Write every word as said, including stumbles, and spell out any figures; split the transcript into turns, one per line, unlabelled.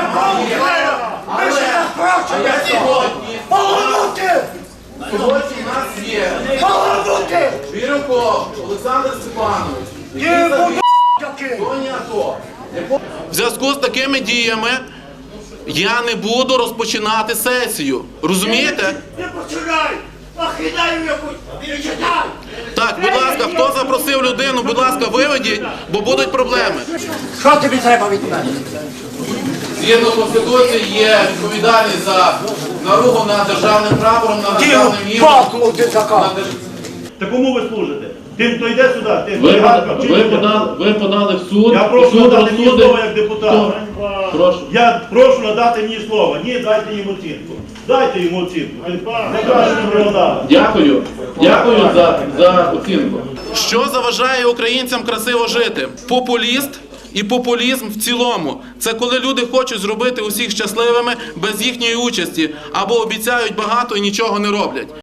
Ви ж нас прощаєте! Полонути!
Сьогодні в нас є
Полонути!
Бірюков Олександр Степанович,
Є
який в зоні АТО. В зв'язку з такими діями я не буду розпочинати сесію. Розумієте?
Не починай! Ахідаю якусь! Не читай!
Так, будь ласка, хто запросив людину, будь ласка, виведіть, бо будуть проблеми.
Що тобі треба від мене?
Згідно Конституції є відповідальність за наругу над державним прапором, над державним гімном.
Палку ти така!
Та кому ви служите? Тим, хто йде сюди, тим,
Ви,
хто гадка,
ви,
вчителя.
подали, ви подали в суд,
Я прошу
суд
надати мені
розсудив.
слово як депутат.
Хто? Прошу.
Я прошу надати мені слово. Ні, дайте йому оцінку. Дайте йому оцінку. Найкраще не дали.
Дякую. Дякую за, за оцінку.
Що заважає українцям красиво жити? Популіст і популізм в цілому. Це коли люди хочуть зробити усіх щасливими без їхньої участі або обіцяють багато і нічого не роблять.